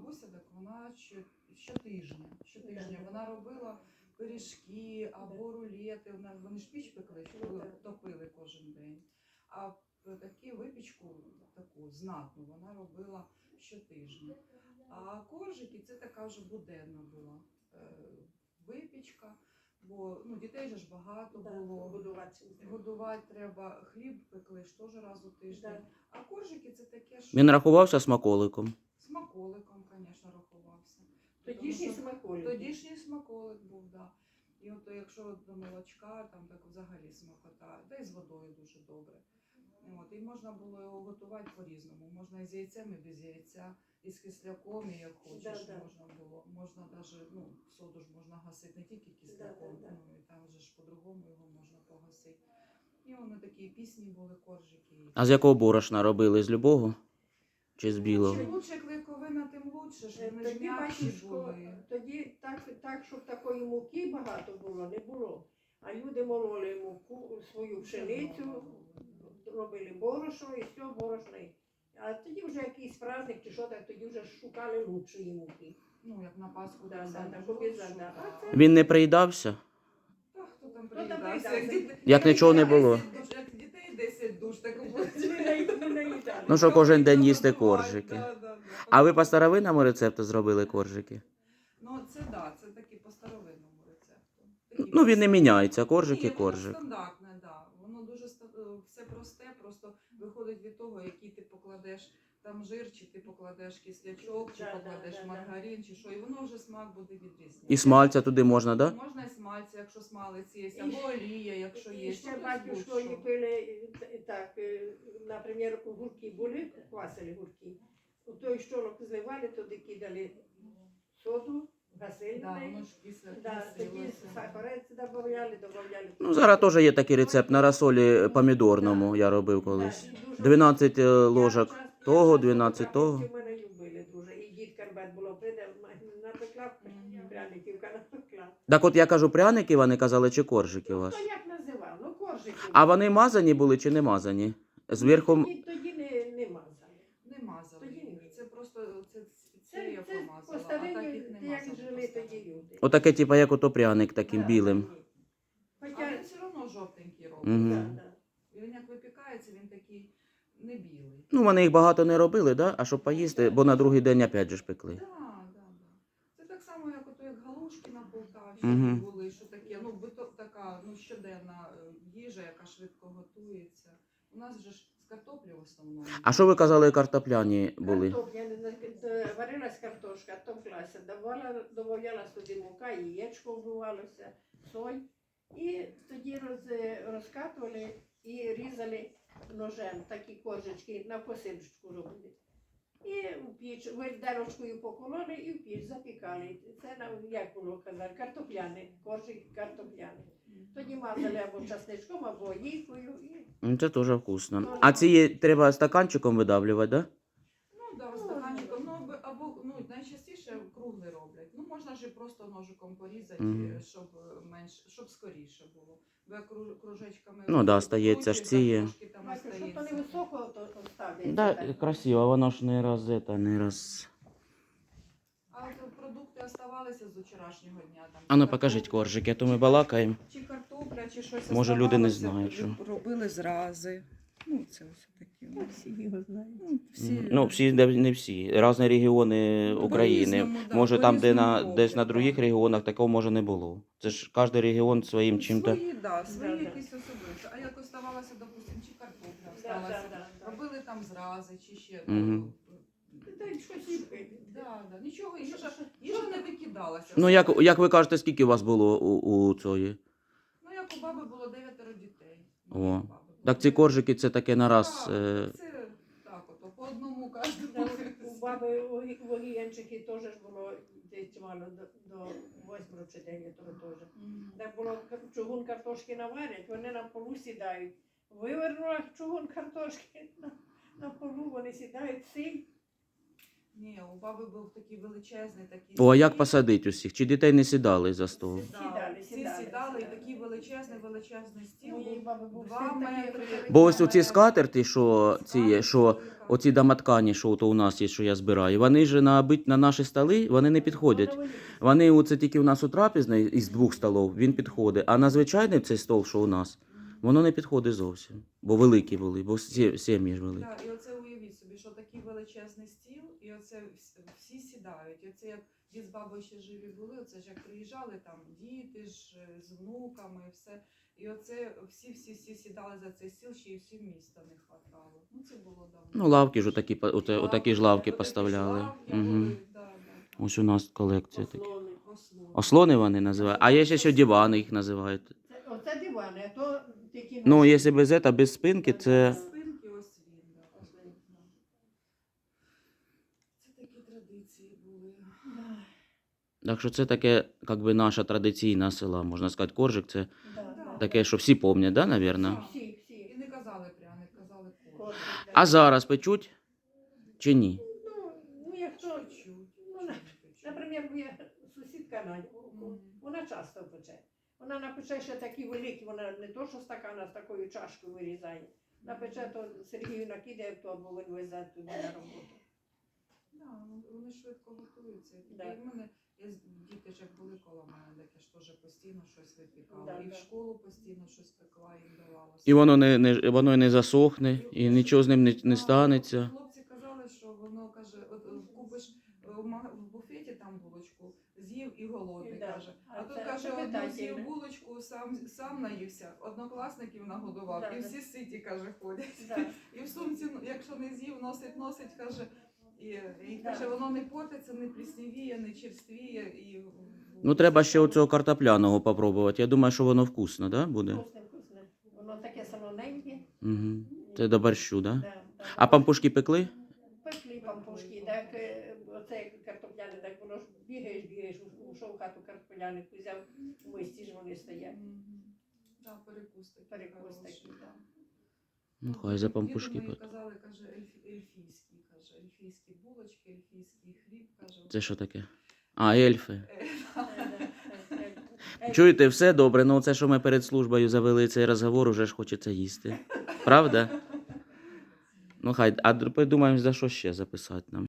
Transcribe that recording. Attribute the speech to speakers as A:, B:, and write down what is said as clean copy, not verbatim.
A: бабуся, так вона щотижня вона робила пиріжки або рулети. Вони ж піч пекли, топили кожен день. А таку випічку, таку знатну, вона робила щотижня. А коржики це така вже буденна була випічка. Бо дітей же ж багато було, годувати треба, хліб пекли ж теж раз у тиждень. А коржики це таке, що...
B: Він рахувався смаколиком?
A: Смаколиком, звісно, рахувався.
C: Тодішній
A: смаколик був, так. Да. І от якщо до молочка, там так взагалі смакота, та й з водою дуже добре. От, і можна було його готувати по-різному. Можна і з яйцем, і без яйця, і з кисляком, і як хочеш можна було. Можна навіть, соду ж можна гасити не тільки кисляком, і там вже ж по-другому його можна погасити. І вони такі пісні були, коржики.
B: А з якого борошна робили? З любого? Чи з білого?
A: Чим лучше клейковина, тим лучше, щоб вони ж м'якші були.
C: Тоді так, щоб такої муки багато було, не було. А люди мололи муку, свою пшеницю, робили борошно і все, борошно. А тоді вже якийсь праздник чи що, так тоді вже шукали лучшої муки.
A: Як на Пасху.
B: Він не приїдався?
A: Та хто там приїдався?
B: Як нічого не було?
A: Як дітей 10 душ, так було.
B: Ну що кожен день їсти коржики. А ви по старовинному рецепту зробили коржики?
A: Це такі по старовинному рецепту.
B: Він не міняється, коржик і коржик.
A: Воно стандартне, да. Воно дуже все просте, просто виходить від того, який ти покладеш там жир, чи ти покладеш кислячок, чи покладеш маргарин, чи що, і воно вже смак буде відрізнятися.
B: І смальця туди можна, так? Да?
A: Можна і смальця, якщо смалець є, або олія, якщо є.
C: І ще батюшко ліпили, так, наприклад, гурки були, квасили гурки. У той щолок зливали, туди кидали соду, гасили. Тоді сахарець додавали.
B: Зараз теж є такий рецепт на розсолі помідорному, я робив колись. 12 ложок того, 12 того.
C: Мене любили дуже. І дід Карбет було прийде, напекла, пряників напекла.
B: Так от я кажу, пряники вони казали, чи коржики у вас?
C: Ну, як називав? Коржики.
B: А вони мазані були чи не мазані? Зверху...
C: Тоді не мазали.
A: Не мазали. Це просто, це я
C: Це
A: помазала, а
C: по-старинню,
A: таких не
C: як
A: мазали.
C: жили тоді люди.
B: Отаке, типу, як ото пряник таким білим.
A: А він все одно жовтенький робить.
B: Угу.
A: Він як випікається, він такий не білий.
B: Вони їх багато не робили, да? А щоб поїсти, бо на другий день опять же ж пекли.
A: Так. Це так само, як галушки на Полтавщині були, що таке, така щоденна їжа, яка швидко готується. У нас же ж з картоплі в основному.
B: А що ви казали, картопляні були?
C: Варилась картошка, товклася, додавала сюди мука, яєчко вбивалося, соль. І тоді розкатували і різали ножем такі коржечки, на косиночку робили. І в піч, виделочкою покололи і в піч запікали. Це, як було казати, картопляни, коржик картопляни. Тоді мазали або часничком, або олійкою.
B: Це теж вкусно. А ці треба стаканчиком видавлювати, так?
A: Да, стаканчиком, або найчастіше круглий роблять. Можна ж і просто ножиком порізати, щоб скоріше було. Бо як кружечками...
B: стається ж ці.
C: Щоб то не високо ставлять.
B: Так, красиво, воно ж не раз.
A: А продукти оставалися з вчорашнього дня?
B: Там, покажіть коржики, а то ми балакаємо.
A: Чи картопля, чи щось.
B: Може, люди не знають, що.
A: Робили зрази. Це ось такі.
C: Всі його знають.
B: Всі, не всі. Різні регіони України. Може, там, десь на других регіонах, такого може не було. Це ж кожен регіон своїм чим-то.
A: Свої якісь особисті. А як оставалося, допустимо, чи картопля осталася. Робили там зрази, чи ще. Нічого, їжа не викидалася.
B: Як ви кажете, скільки у вас було у цієї?
A: Як у баби було 9 дітей.
B: О. Так ці коржики це таке на раз.
A: Це так, по одному кожному.
C: У баби в Огіянчики теж було десь мало до 8 чи 9 теж. Так було чугун картошки наварять, вони на полу сідають. Вивернула чугун картошки на полу, вони сідають сіль.
A: Ні, у баби був такий величезний такий.
B: О, а як
A: стіл.
B: посадити усіх? Чи дітей не сідали за стол?
A: Всі сідали, і такий величезний стіл
C: Моєї
A: був
C: баби був
A: 2
C: стіл такий,
A: метри.
C: великий.
B: Бо ось оці скатерти, що ці є, що оці домоткані, що то у нас є, що я збираю, вони ж на наші столи, вони не підходять. Вони оце тільки у нас у трапезний із 2 столів, він підходить, а на звичайний цей стол, що у нас, воно не підходить зовсім. Бо великі були, бо сім'ї ж великі.
A: Так, і оце уявіть собі, що такий величезний стіл, і оце всі сідають. І оце як дід з бабою ще живі були, оце ж як приїжджали там діти ж з внуками і все. І оце всі сідали за цей стіл, ще й всім міста не хватало. Ну це було давно.
B: Ну, лавки ж отакі, отакі ж лавки
A: Отакі
B: поставляли.
A: ж лавки
B: Угу.
A: були, да.
B: Ось у нас колекція такі.
C: Ослони.
A: Ослони.
B: Ослони вони називають, а є ще дивани їх називають.
C: Оце дивани, а то такі...
B: Ну, якщо без ета, без спинки, це...
A: Спинки ось він, да. Це такі традиції були.
B: Так що це таке, як би, наша традиційна села, можна сказати, коржик, це
C: Да.
B: таке, що всі пам'ятають, да, навірно?
C: Всі.
A: І не казали пряник, казали корж.
C: Кожен, да.
B: А зараз печуть чи ні?
C: Ну, як то,
A: Чуть-чуть.
C: Ну, наприклад, моя сусідка Надя,
A: Мгм.
C: вона часто пече. Вона напече ще такі великі, вона не то, що стакана з такою чашкою вирізає. Напече, то Сергію накидає в торбу, він везе туди на роботу.
A: Да, ну, вони швидко готуються.
C: Да.
A: І в мене діти ж як були коло мене, так я ж теж постійно щось випікала.
C: Да,
A: І в
C: да.
A: школу постійно щось пекла, їм давала.
B: І воно воно не засохне, і нічого з ним не станеться.
A: Хлопці казали, що воно каже, от купиш в буфеті там булочку, з'їв і голодний,
C: Да.
A: каже. А
C: А
A: тут
C: це
A: каже, одну
C: питательне.
A: з'їв булочку, сам наївся, однокласників нагодував,
C: Да,
A: і
C: да.
A: всі ситі, каже, ходять.
C: Да.
A: І в сумці, ну, якщо не з'їв, носить, каже, і
C: Да.
A: каже, воно не портиться, не пліснівіє, не черствіє. І...
B: Ну, треба ще оцього картопляного попробувати. Я думаю, що воно вкусно, да, буде?
C: Вкусне. Воно таке солоненьке.
B: Угу. Це до борщу, да?
C: Да, да.
B: А пампушки пекли?
C: Пекли пампушки, так оце картопляне, так воно ж бігаєш, ушов в хату картопляник, взяв в мисці ж вони стоять.
A: Да, перекус такий.
C: Перекус
A: хороший,
C: такий,
A: да.
B: Ну, хай за пампушки.
A: Діду мої
B: пекли.
A: казали, каже, ельфійські булочки, ельфійський хліб, каже.
B: Це що таке? А, ельфи.
C: Е,
B: Чуєте, все добре, ну це, що ми перед службою завели цей розговор, уже ж хочеться їсти. Правда? Ну хай, а придумаємо, за що ще записати нам.